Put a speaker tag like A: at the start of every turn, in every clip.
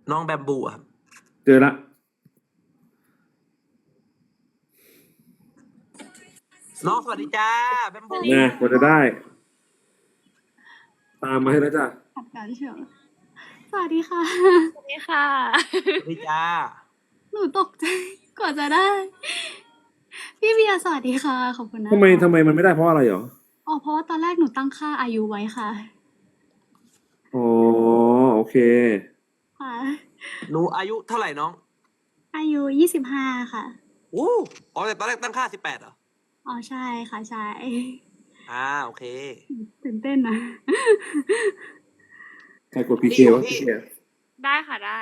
A: น้องแบมบูครับ
B: เจอละ
A: น้องสวัสดีจ้าแบมบู
B: นะกว่าจะได้ ตามมาให้แล้วจ้ะ
C: ขัดกันเชียวสวัสดีค่ะ
D: สวัสดีค่ะ
A: สวัสดีจ้า
C: หนูตกใจกว่าจะได้ พี่เบียร์สวัสดีค่ะ ขอบคุณนะ
B: ทำไมมันไม่ได้เพราะอะไรหรอ
C: อ๋อเพราะว่าตอนแรกหนูตั้งค่าอายุไว้ค่ะ
B: อ๋อโอเค
C: ค่ะ
A: หนูอายุเท่าไหร่น้อง
C: อายุ25 ค่ะ
A: อู้อ๋อแต่ตอนแรกตั้งค่า18เหรอ
C: อ๋อใช่ค่ะใช่
A: โอเค
C: ตื่นเต้นนะ
B: ใครกดพีเควะพีเค
D: ได้ค่ะได้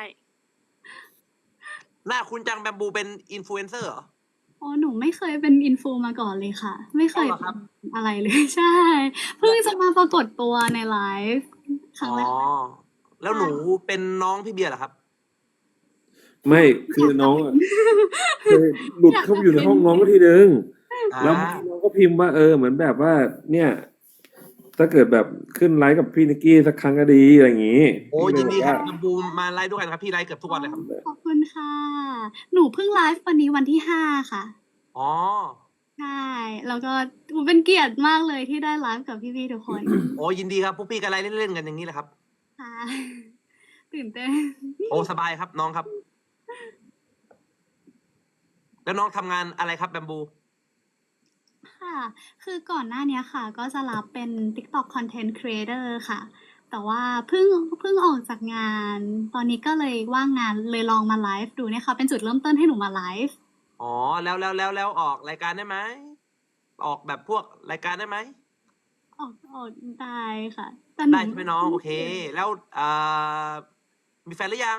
A: หน้าคุณจังแบมบูเป็นอินฟลูเอนเซอร์เหรอ
C: อ๋อหนูไม่เคยเป็นอินฟูมาก่อนเลยค่ะ ไม่เคย
A: อ๋อเหรอครับ
C: เป็นอะไรเลย ใช่ เพิ่งจะมาปรากฏตัวในไลฟ์ครั้งแรก
A: แล้วหนูเป็นน้องพี่เบียร์เหรอครับ
B: ไม่คือน้องอะเคยหลุดเข้าไปอยู่ในห้องน้องก็ทีนึง แล้วน้องก็พิมพ์ว่าเหมือนแบบว่า เนี่ย ถ้าเกิดแบบขึ้นไลฟ์กับพี่นิกกี้สักครั้งก็ดีอะไรอย่างงี้
A: โอ้ยินดีครับแบมบูมาไลฟ์ด้วยกันครับพี่ไลฟ์เกือบทุกวันเลยครับ
C: ขอบคุณค่ะ หนูเพิ่งไลฟ์วันนี้วันที่5 ค่ะ
A: อ๋อ
C: ใช่ แล้วก็เป็นเกียรติมากเลยที่ได้ไลฟ์กับพี่ๆทุกคน
A: โอ้ยินดีครับพวกพี่กันไลฟ์เล่นๆกันอย่างนี้แหละครับ
C: ค่ะ ตื่นเต้น
A: โอ้สบายครับน้องครับ แล้วน้องทำงานอะไรครับแบมบู
C: ค่ะ คือก่อนหน้านี้ค่ะ ก็จะรับเป็น TikTok Content Creator ค่ะ แต่ว่าเพิ่งออกจากงาน ตอนนี้ก็เลยว่างงานเลยลองมาไลฟ์ดูเนี่ยค่ะ เป็นจุดเริ่มต้นให้หนูมาไลฟ์
A: อ๋อแล้วออกรายการได้ไหมออกแบบพวกรายการได้ไหม
C: ออกได้ค่ะแต่
A: ได้ใช่ไหมน้องโอเค แล้วมีแฟนหรือยัง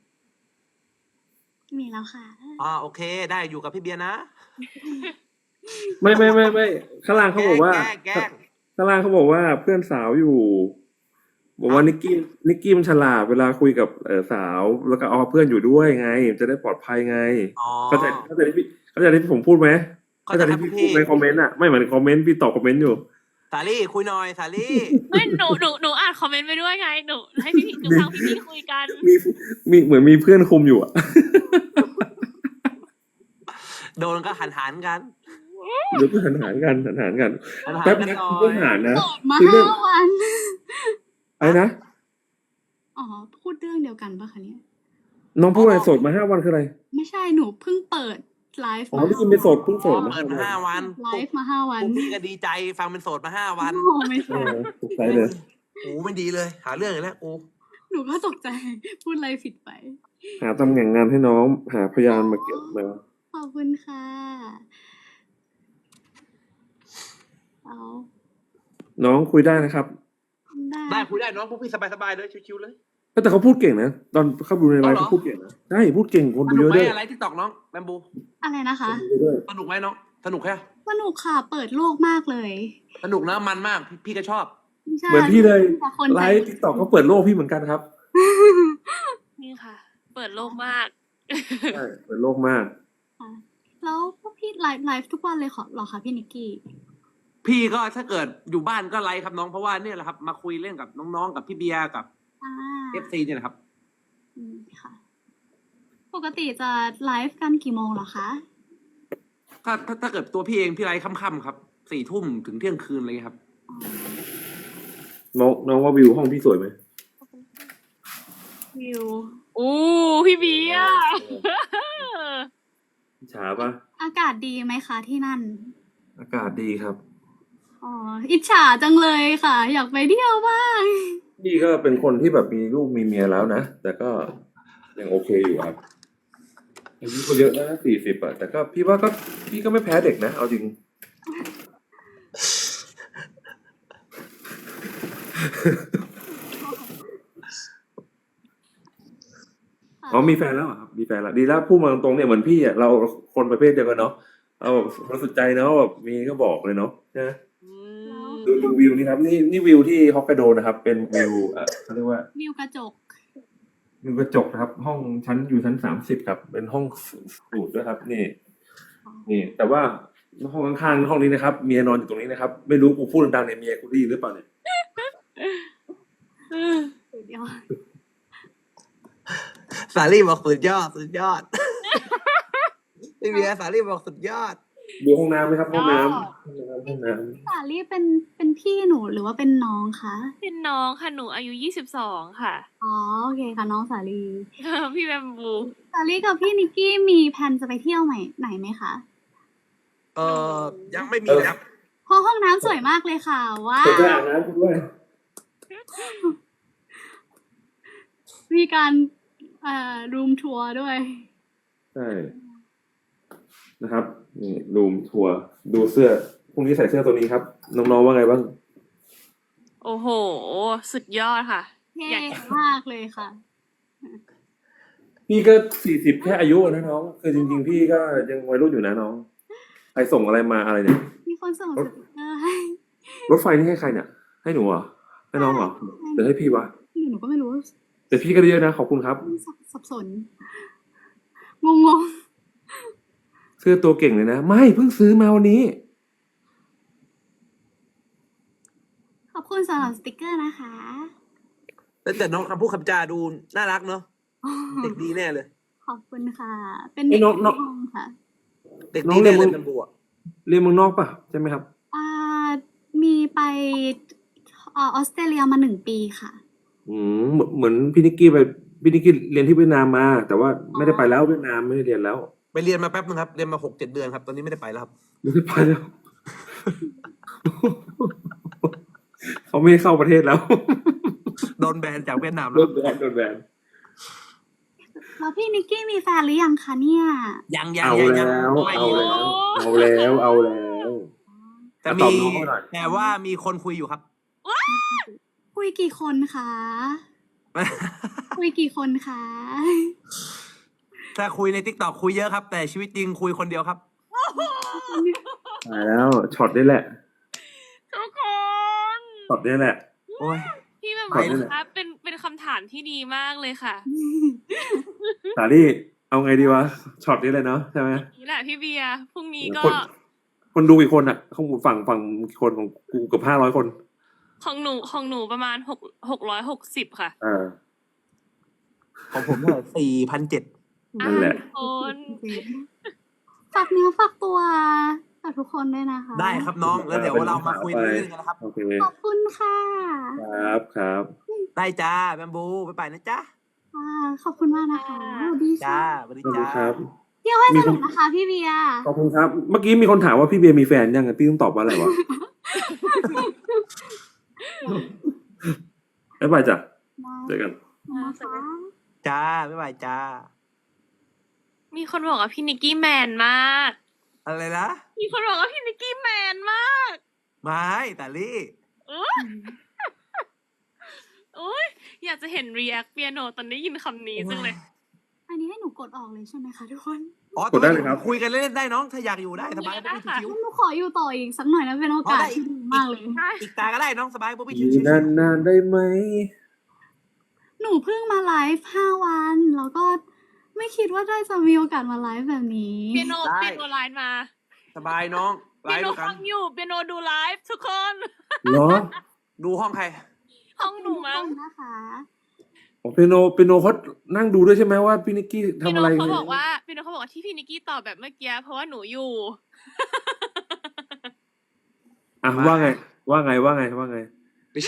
C: มีแล้วค่ะ
A: โอเค ได้อยู่กับพี่เบียร์นะ
B: ไม่ข้างล่างเขาบอกว่า
A: แกล้ง
B: ข้างล่างเขาบอกว่าเพื่อนสาวอยู่ บอกว่านิกกี้มันฉลาดเวลาคุยกับสาว แล้วก็เอาเพื่อนอยู่ด้วยไง จะได้ปลอดภัยไง
A: อ๋อ
B: เข้าใจที่ผมพูดไหมเข้าใจที่พี่พูดในคอมเมนต์อ่ะไม่เหมือนคอมเมนต์พี่ตอบคอมเมนต์อยู่
A: สาลี่คุยหน่อยสาลี่
D: ไม่หนูอ่านคอมเมนต์ไปด้วยไง หนูให้หนูฟังพี่คุยกัน
B: มีเหมือนมีเพื่อนคุมอยู่อ่ะ
A: โดนก็หันกัน
B: เดี๋ยวก็หันกันแป๊บนะคุณต้องหารนะ
C: โสดมา
B: คือเรื่อง
C: 5 วัน
B: อะไรนะ
C: อ๋อ พูดเรื่องเดียวกันปะคะเนี่ย
B: น้องพูดอะไรโสดมา5 วันคืออะไร
C: ไม่ใช่ หนูเพิ่งเปิดไลฟ์
B: อ๋อนี่คือเป็นโสดเพิ่งโสดมา
A: เปิดมา5 วัน
C: ไลฟ์มา5 วัน
A: พวกพี่ก็ดีใจฟังเป็นโสดมา5 วัน
C: โอ้ไม่ใช่
B: ตกใจเลย
A: โอ้ไม่ดีเลย หาเรื่องอีกแล้วโอ้
C: หนูก็ตกใจ พูดอะไรผิดไป
B: หาตำแหน่งงานให้น้องหาพยานมาเก็บมา
C: ขอบคุณค่ะเอา
B: น้องคุยได้นะครับ
A: ได้คุยได้น้องพวกพี่สบายๆเลยชิวๆเลย
B: แต่เขาพูดเก่งนะตอนเข้าดูในไลฟ์
A: เอาเหรอ
B: เขาพูดเก่งนะใช่พูดเก่งคน
A: ส
B: ดู
A: นุ
B: เย
A: ก
B: อะ
A: ไหม
B: ด้วย
A: อะไรที่ตอกน้องแบมบู
C: อะไรนะคะ
B: คนดูเยอะด้วย
A: สนุกไหมน้องสนุกแค่
C: สนุกค่ะ เปิดโลกมากเลย
A: สนุกนะมันมากพี่ก็ชอบ
C: ใช่
B: เหมือนพี่เลย
C: แต่คน
B: ไล
C: ใจ
B: ฟ์ทิกตอกเขาเปิดโลกพี่เหมือนกันครับ
D: นี่ค่ะ เปิดโลกมาก
B: ใช่เปิดโลกมาก
C: ค่ะแล้วพวกพี่ไลฟ์ทุกวันเลยเหรอคะพี่นิกกี้
A: พี่ก็ถ้าเกิดอยู่บ้านก็ไลฟ์ครับน้องเพราะว่าเนี่ยแหละครับ มาคุยเล่นกับน้องๆกับพี่เบียร์กับ
C: อ่า
A: FC เนี่ยนะครับ
C: ค่ะ ปกติจะไลฟ์กันกี่โมงเหรอคะ
A: ก็ถ้าเกิดตัวพี่เองพี่ไลฟ์ค่ำๆครับ4 ทุ่มถึงเที่ยงคืนอะไรเงี้ยครับ
B: น้องว่าวิวห้องพี่สวยไหม
C: วิว
D: อู้พี่เบียร์
B: ฉาปะ
C: อากาศดีไหมคะที่นั่น
B: อากาศดีครับ
C: อ๋อ อิจฉาจังเลยค่ะ อยากไปเที่ยวบ้าง
B: พี่ก็เป็นคนที่แบบมีลูกมีเมียแล้วนะแต่ก็ยังโอเคอยู่ครับอายุก็เยอะแล้วนะ40อะแต่ก็พี่ว่าก็พี่ก็ไม่แพ้เด็กนะเอาจริง อ๋อมีแฟนแล้วเหรอครับมีแฟนแล้วดีแล้วพูดมาตรงๆเนี่ยเหมือนพี่อ่ะเราคนประเภทเดียวกันเนาะเราแบบเราสนใจเนาะแบบมีก็บอกเลยเนาะนะดูวิวนี่ครับนี่วิวที่ฮอกไกโดนะครับ เป็นวิวเขาเรียกว่า
C: วิวกระจก
B: วิวกระจกนะครับ ห้องชั้นอยู่ชั้น30ครับ เป็นห้องสูตรด้วยครับ นี่ แต่ว่าห้องข้างๆห้องนี้นะครับเมียนอนอยู่ตรงนี้นะครับ ไม่รู้กูพูดดังๆเนี่ยเมียกูได้ยินหรือเปล่าเนี่ย
C: สุดยอด
E: สาลี่บอกสุดยอดสุดยอดพี่เบียร์สาลี่บอกสุดยอด
B: ดูห้องน้ำไหมครับห้องน้ำห้องน้
C: สาลี่เป็นพี่หนูหรือว่าเป็นน้องคะ
D: เป็นน้องค่ะหนูอายุ22ค่ะ
C: อ๋อโอเคค่ะน้องสาลี่
D: พี่แบมบู
C: สาลี่กับพี่นิกกี้มีแผนจะไปเที่ยวไหนไหมคะ
E: ยังไม่มีครับ
C: เพราะห้องน้ำสวยมากเลยค่ะว้า
B: ำเปิด
C: ว
B: อาบน้ำด้วย
C: มีการรูมทัวร์ด้วย
B: ใช่นะครับนี่รูมทัวร์ดูเสื้อพรุ่งนี้ใส่เสื้อตัวนี้ครับน้องๆว่าไงบ้าง
D: โอ้โห สุดยอดค่ะ
C: เท่
D: อยาก
C: มากเลยค่ะ
B: พี่ก็40แค่อายุนะน้องคือจริงๆพี่ก็ยังวัยรุ่นอยู่นะน้องใครส่งอะไรมาอะไรเนี่ย
C: มีคนส่งสติกเกอร์ให้
B: รถไฟนี่ให้ใครเนี่ยให้หนูเหรอให้น้องเหรอหรือให้พี่วะ
C: หนูก็ไม่รู้
B: แต่พี่ก็ได้เยอะนะขอบคุณครับ
C: สับสน งง
B: เสื้อตัวเก่งเลยนะไม่เพิ่งซื้อมาวันนี้
C: ๆขอบคุณสำหรับสติกเกอร์นะคะ
E: แต่น้องคำพูดคำจาดูน่ารักเนาะเด็กดีแน่เลย
C: ขอบคุณค่ะ เป็นเด็กในห้องค่ะ
E: เด็กดีแน่เลยเป็นบัว
B: เรียนเมืองนอกป่ะใช่ไหมครับ
C: มีไปออสเตรเลียมา1 ปีค่ะ
B: เหมือนพี่นิกกี้เรียนที่เวียดนามมา แต่ว่าไม่ได้ไปแล้วเวียดนามไม่ได้เรียนแล้ว
E: ไปเรียนมาแป๊บนึงครับเรียนมา6-7 เดือนครับตอนนี้ไม่ได้ไปแล้วครับ
B: ไม่ได้ไปแล้ว เขาไม่ให้เข้าประเทศแล้ว
E: โดนแบนจากเวียดนาม
B: โด
E: แล้ว
B: นแบน
C: แล้วพี่นิกกี้มีแฟนหรือยังคะเนี่ย
E: ยัง
B: เอาแล้วเอาแล้ว
E: แต่
B: ตอ
E: มี
B: บน้องเขาหน่อย
E: แต่ว่ามีคนคุยอยู่ครับ
C: คุยกี่คนคะ คุยกี่คนคะ
E: ถ้าคุยใน TikTok คุยเยอะครับ แต่ชีวิตจริงคุยคนเดียวครับ
B: ตายแล้วช็อตนี้แหละ
D: ทุกคน
B: ช็อตนี้แหละ
E: โอ้ย
D: พี่แบม
B: ขอบ
D: บู
B: คุณ
D: คะเป็นคำถามที่ดีมากเลยค่ะ
B: สาลี่เอาไงดีวะช็อตนี้เลยเนาะใช่ไหม
D: นี่แหละพี่เบียร์พรุ่งนี้ก็
B: คนดูกี่คนอ่ะข้างฝั่งคนของกูเกือบ500 คน
D: ของหนูประมาณ660ค่ะ
E: ของผมเท่าไหร่4,700
B: นั่นแหละ
D: คน
C: ฝากเนื้อฝากตัวกับทุกคนด้วยนะคะ
E: ได้ครับน้องแล้วเดี๋ยวเรามาคุยเรื่องกันนะครับ
B: โอเค
C: ขอบคุณค่ะ
B: ครับ
E: ได้จ้าแบมบูไปนะจ๊ะ
C: ขอบคุณมากนะคะสวัสดี
E: จ้า
C: ค่ะ
E: สวัสดี
B: ขอบคุณ
E: จ้า
B: ครับ
C: เที่ยวให้สนุกนะคะพี่เบียร์
B: ขอบคุณครับ เมื่อกี้มีคนถามว่าพี่เบียร์มีแฟนยังพี่ต้องตอบว่าอะไรวะ บ๊ายบายจ้ะเจอกัน
C: นะคะ
E: จ้าบ๊ายบายจ้า
D: มีคนบอกว่าพี่นิกกี้แมนมาก
E: อะไรนะ
D: มีคนบอกว่าพี่นิกกี้แมนมาก
E: ไม่แต่ลี่
D: โอ้ยอยากจะเห็นรีแอคเปียโนตอนได้ยินคำนี้จังเลย
C: อันนี้ให้หนูกดออกเลยใช่ไหมคะทุกคน
B: กดได้เลยครับ
E: คุยกันเล่นๆได้น้องถ้าอยากอยู่ได้สบาย
D: ได้
E: บ๊อบบี้
D: ค่ะ
E: ชิว
C: หนูขออยู่ต่ออีกสักหน่อยนะเป็นโอกาสที่ดีมากเลย
E: ๆอีกตาก็ได้น้องสบายบ๊อบบี้
B: อ
E: ชิ
B: ยู่
E: วๆ
B: นานๆได้ไหม
C: หนูเพิ่งมาไลฟ์5 วันแล้วก็ไม่คิดว่าได้จะมีโอกาสมาไลฟ์แบบนี้
D: เปียโนไลน์มา
E: สบายน้องไล
D: เปีย
E: ฟ์
D: โน
E: ด้วยกั
D: ฟั
E: น
D: งอยู่เปียโนดูไลฟ์ทุกคน
B: เหรอ
E: ดูห้องใคร
D: ห้องหนูมั้ง
C: นะคะ
B: อ๋อเปียโนเขานั่งดูด้วยใช่ไหมว่าพี่นิกกี้
D: เปีย
B: ทำ
D: โน
B: อะไร
D: เขาบอกว่าที่พี่นิกกี้ตอบแบบเมื่อกี้เพราะว่าหนูอยู่
B: อ่ะว่าไง
E: ไม่ใช่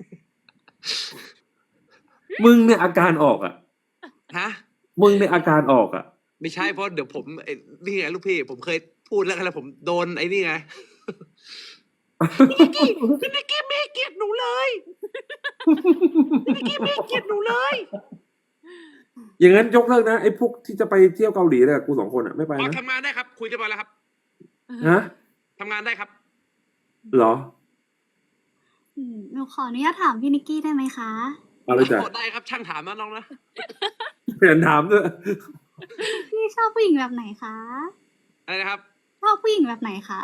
B: มึงเนี่ยอาการออกอ่ะ
E: ฮะ
B: มึงเนี่ยอาการออกอ่ะ
E: ไม่ใช่เพราะเดี๋ยวผมนี่ไงลูกพี่ ผมเคยพูดแล้วกันแล้วผมโดนไอ้นี่ไงพี่นิกกี้ไม่เกลียดหนูเลยพี่นิกกี้ไม่เกลียดหนูเลย
B: อย่างนั้นยกเลิกนะไอ้พวกที่จะไปเที่ยวเกาหลีเนี่ยกู2 คนอ่ะไม่ไป
E: อ๋อ
B: นะ
E: ทำงานได้ครับ คุยกันมาแล้วครับ
B: ฮะ
E: ทำงานได้ครับ
B: เหรอ
C: หนูขออนุญาตถามพี่นิกกี้ได้ไหมคะ
B: เอาเลยจ้ะ
E: ได้ครับช่างถามนะน้องนะ
B: เปลี่ยนถามด้วย
C: พี่ชอบผู้หญิงแบบไหนคะ
E: อะไรนะครับ
C: ชอบผู้หญิงแบบไหนคะ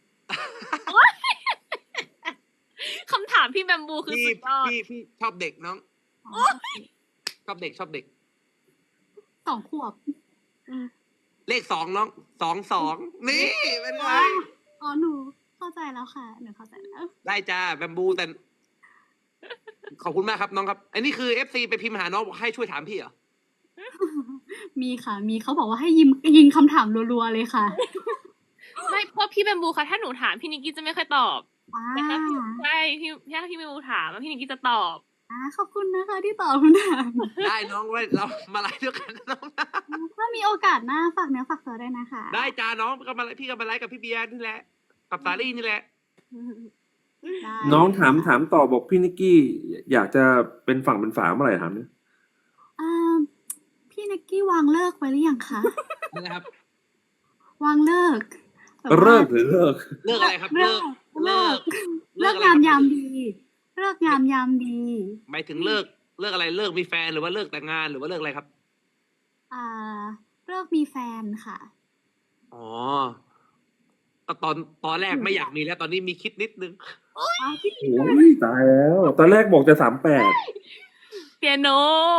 D: คำถามพี่แบมบูคือ
E: พี่
D: สุดยอด
E: พี่ชอบเด็กน้อง ชอบเด็ก
C: 2 ขวบ
E: เลข2น้อง2 นี่เป็นไง
C: อ๋อหนูเข้าใจแล้วค่ะหนูเข้าใจแล้ว
E: ได้จ้าแบมบูแต่ขอบคุณมากครับน้องครับ อันนี้คือ FC ไปพิมพ์หาน้องบอกให้ช่วยถามพี่เหรอ
C: มีค่ะ มีเขาบอกว่าให้ยิงคำถามรัวๆเลยค่ะ
D: ไม่เพราะพี่แบมบูค่ะถ้าหนูถามพี่นิกกี้จะไม่ค่อยตอบ
C: อ่า
D: แต่ถ้าพี่ใช่พี่ถ้าพี่แบมบูถามพี่นิกกี้จะตอบ
C: ขอบคุณนะคะที่ตอบคำถาม
E: ได้น้องไว้เรามาไลฟ์ด้วยกันนะน้องนะ
C: ถ้ามีโอกาสหน้าฝากเนื้อฝากตัวด้วยนะคะ
E: ได้จ้าน้องก็มาพี่ก็มาไลฟ์กับพี่เบียร์นี่แหละกับสาลี่นี่แหละ
C: ได้
B: น้องถามต่อบอกพี่นิกกี้อยากจะเป็นฝั่งเป็นฝาเมื่อไหร่ถามเนี่ย
C: อ่าพี่นิกกี้วางเลิกไว้หรือยังคะ
E: นะครับ
C: วางเลิกแบบว่า
B: เลิกหรือเลิก
E: เลิกอะไรครับ
C: เลิก
E: เลิก
C: เลิก
E: อะไร
C: งาม
E: ครับ
C: ยามดีเลิกงามยามดี
E: หมายถึงเลิกอะไรเลิกมีแฟนหรือว่าเลิกแต่งงานหรือว่าเลิกอะไรครับ
C: อ่าเลิกมีแฟนค่ะ
E: อ๋อก็ตอนแรกไม่อยากมีแล้วตอนนี้มีคิดนิดนึง
B: โอ้ยตายแล้ว ตอนแรกบอกจะ38
D: เปียโน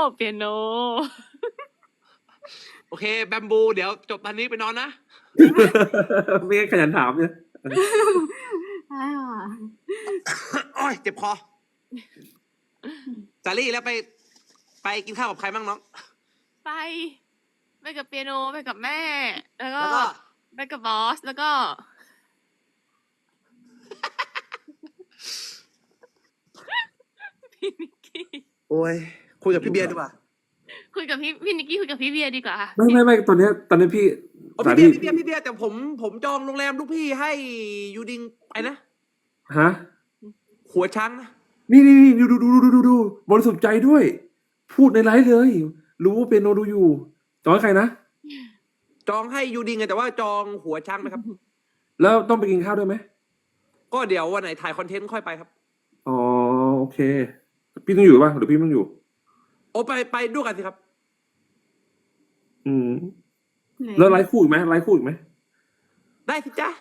E: โอเคแบมบูเดี๋ยวจบตอนนี้ไปนอนนะ
B: ไม่งั้นขยันถามเนี่ย
C: ได้ค่ะ
E: โอ้ยเจ็บคอสาลี่แล้วไปกินข้าวกับใครบ้างน้อง
D: ไปกับเปียโนไปกับแม่ แล้วก็
E: แล้วก็
D: ไปกับบอสแล้วก็ พี่นิกกี้
E: โอ้ยคุยกับพี่เบียร์ดีกว่า
D: คุยกับพี่นิกกี้คุยกับพี่เบียร์ดีกว่า
B: ไม่ตอนนี้พี่
E: โอ้
B: สา
E: พี่
B: ลี่
E: เบียร์แต่ผมจองโรงแรมลูกพี่ให้ยูดิงไปนะ
B: ฮะ
E: หัวช้างนะ
B: นี่ดูบริสุทธิ์ใจด้วย พูดในไลฟ์เลย รู้ว่าเป็นโนดูอยู่จองให้ใครนะ
E: จองให้ยูดิงไงแต่ว่าจองหัวช้างนะครับ
B: แล้วต้องไปกินข้าวด้วยไหม
E: ก็เดี๋ยววันไหนถ่ายคอนเทนต์ค่อยไปครับ
B: อ๋อโอเค พี่ต้องอยู่ป่ะหรือพี่ไม่ต้องอยู่
E: โอ้ไปด้วยกันสิครับ
B: อืมแล้วไลฟ์คู่อีกไหมไลฟ์คู่อีกไหม
E: ได้สิจ๊ะ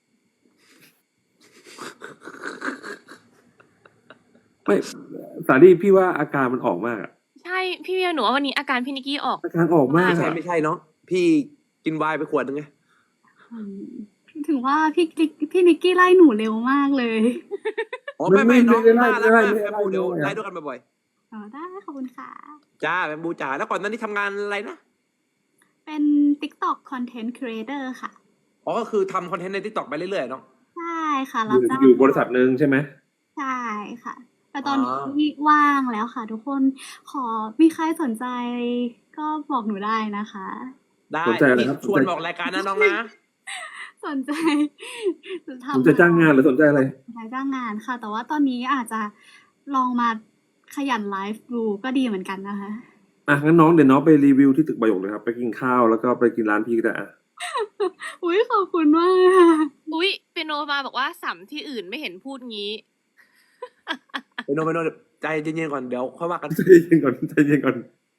B: ไม่สาลี่พี่ว่าอาการมันออกมากอะ
D: ใช่พี่เบียร์หนูว่าวันนี้อาการพี่นิกกี้ออก
B: อาการออกมาก
E: ไม่ใช่เนาะพี่กินไวน์ไปขวดนึงไง
C: อืมถึงว่าพี่นิกกี้ไล่หนูเร็วมากเลย
E: อ๋อไม่น้อง
B: ไม่
E: น่ารัก
B: ได้
E: มาก
B: ไม่
E: แบ
B: ได้
E: มบูเดี๋ยว
B: ไม่ได้
E: ไลฟ์ด้วยกันบ่อย
C: ได้ขอบคุณค่ะ
E: ๆจ้าแบมบูจ๋าแล้วก่อนหนั้นนี่ทำงานอะไรนะ
C: เป็น TikTok Content Creator ค่ะ
E: อ๋อก็คือทำคอนเทนต์ในทิกตอกไปเรื่อยๆเนาะ
C: ใช่ค่ะ
B: อ
C: รับ
B: ยู่
C: จ้าง
B: อยู่บริษัทหนึ่งใช่ไหม
C: ใช่ค่ะ แต่ตอน
E: อ๋อ
C: นี้ว่างแล้วค่ะ ทุกคนมีใครสนใจก็บอกหนูได้นะคะ
E: ได้
B: สนใจอะไร
E: พี่
B: ครับ
E: ชวนบอกรายการนะน้องนะ
C: สนใจทำ
B: ผมจะจ้างงานหรือสนใจอะไร
C: สนใจจ้างงานค่ะ แต่ว่าตอนนี้อาจจะลองมาขยันไลฟ์ดูก็ดีเหมือนกันนะคะ
B: อ่ะงั้นน้องเดี๋ยวน้องไปรีวิวที่ตึกประโยคเลยครับ ไปกินข้าวแล้วก็ไปกินร้านพี่ก็ได้อ่ะ
C: อุ้ยขอบคุณมากค่ะ
D: อุ๊ยเปียโนมาบอกว่าสัมที่อื่นไม่เห็นพูดงี้
E: ไปโนใจเย็นๆก่อนเดี๋ยวค่อยว่ากัน
B: ใจเย็นก่อนใจเย็นก่อน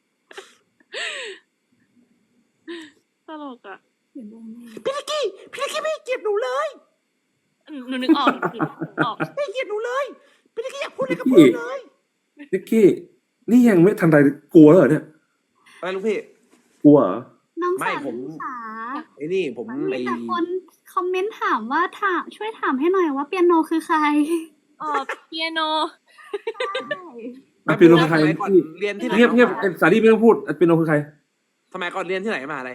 D: ตลกอ่ะ
E: พี่นิกกี้ไม่เกลียดหนูเลย
D: หนูนึกออกหนูนึกออก
E: ไม่เกลียดหนูเลยพี่นิกกี้อยากพูดอะไรก็พูดเลย
B: นิกกี้นี่ยังไม่ทันไรกลัวแล้วเหรอเนี่ย
E: อะไรลูกพี่
B: กลัวเหรอ
C: น้อง
E: ไม่
C: สาว
E: ผม
C: ค่ะ
E: ไอ้นี่ผม
C: มัน
E: ไอ้
C: มีแต่คนคอมเมนต์ถามว่าช่วยถามให้หน่อยว่าเปียโนคือใคร
D: เปียโน
B: อ่ะเป็นโนคือใคร
E: สมัยก่อน
B: พี่
E: เรียนที่ไหน
B: เงียบไอ้สาลี่ไม่ต้องพูดเป็นโนคือใคร
E: สมัยก่อนเรียนที่ไหนมาอะไร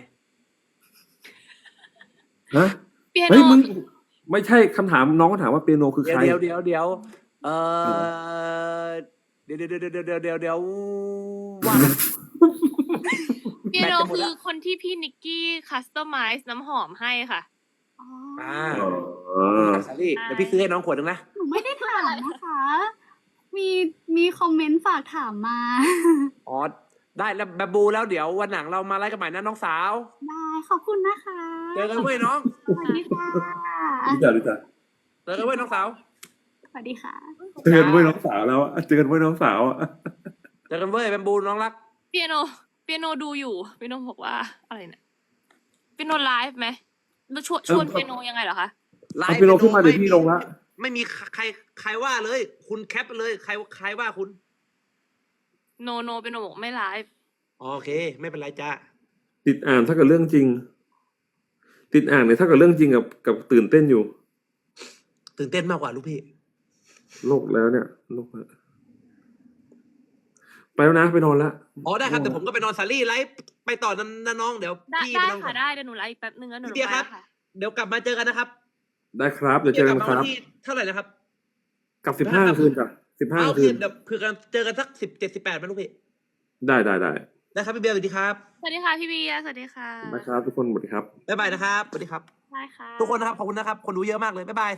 B: ฮะ
D: เปียโน
B: เฮ้ยมึงไม่ใช่คำถามน้องก็ถามว่าเปียโนคือใคร
E: เดี๋ยวเดี๋ยวเดี๋ยวว่า
D: เปียโน
E: แบตจะหมด
D: คื
E: แล้
D: อ
E: ว
D: คนที่พี่นิกกี้คัสตอมไมซ์น้ำหอมให้ค่ะ
C: อ๋อ
B: อ๋อ
E: สาลี่เดี๋ยวพี่ซื้อให้น้องขวดนึงนะ
C: หนูไม่ได้ถามนะคะ มีคอมเมนต์ฝากถามมา
E: อ๋อได้แล้วแบบบูแล้วเดี๋ยววันหลังเรามาไล่กันใหม่นะน้องสาว
C: ได้ขอบคุณนะคะ
E: เจอกันเว้ยน้อง
C: สวัสดีค่ะ
B: รู้จักรู้จัก
E: เจอกันเว้ยน้องสาว
C: สวัสดีค่ะ
B: เจอกันเว้ยน้องสาวแล้วอะเจอกันเว้ยน้องสาวอะ
E: เจอกันเว้ยแบบบูน้องรัก
D: เปียโนดูอยู่เปียโนบอกว่าอะไรเนี่ยเปียโนไลฟ์ไหมแล้วชวนเปียโนยังไงเหรอคะ
B: เอาเป็นโนขึ้นมาเดี๋ยวพี่ลงละ
E: ไม่มีใครว่าเลย คุณแคปไปเลยใครว่าคุณ
D: โนเปียโนบอกไม่ไลฟ์
E: โอเค ไม่เป็นไรจ้า
B: ติดอ่านถ้าเกิดเรื่องจริง ติดอ่านเนี่ยถ้าเกิดเรื่องจริงกับตื่นเต้นอยู่
E: ตื่นเต้นมากกว่าลูกพี่
B: โลกแล้วเนี่ยโลกแล้วไปแล้วนะไปนอนละ
E: อ๋อได้ครับเดี๋ยวผมก็ไปนอนซารี่ไลฟ์ไปต่อนะน้องเดี๋ยว
D: ได้
E: พี่
D: ได้
E: ไปนอนก่
D: ค่ะ
E: อน
D: ได้เดี๋ยวหนูไลฟ์อีกแป๊บนึงแล้วหนู
E: พี่เบียร์
D: ไป
E: ครับ
D: ค่ะ
E: เดี๋ยวกลับมาเจอกันนะครับ
B: ได้ครับเดี๋ยวเจอกันค
E: พี่
B: รับ
E: บียกลัมาวันที่เท่าไหร่นะครับ
B: กับ15 คืนจ้ะ15
E: โอเค
B: คืน
E: เดี๋ยวคือกันเจอกันสัก17-18ไหมลูกพี่
B: ได้
E: ได้ครับพี่เบียร์สวัสดีครับ
D: สวัสดีค่ะพี่เบียร์สวัสดีค่ะ
B: นะครับทุกคนสวัสดีครับ
E: บ๊ายบายนะครับสวัสดีครับ
D: ได้ค่ะ
E: ทุกคนนะครับขอบคุณนะครับคนดูเยอะมากเลยบ๊ายบาย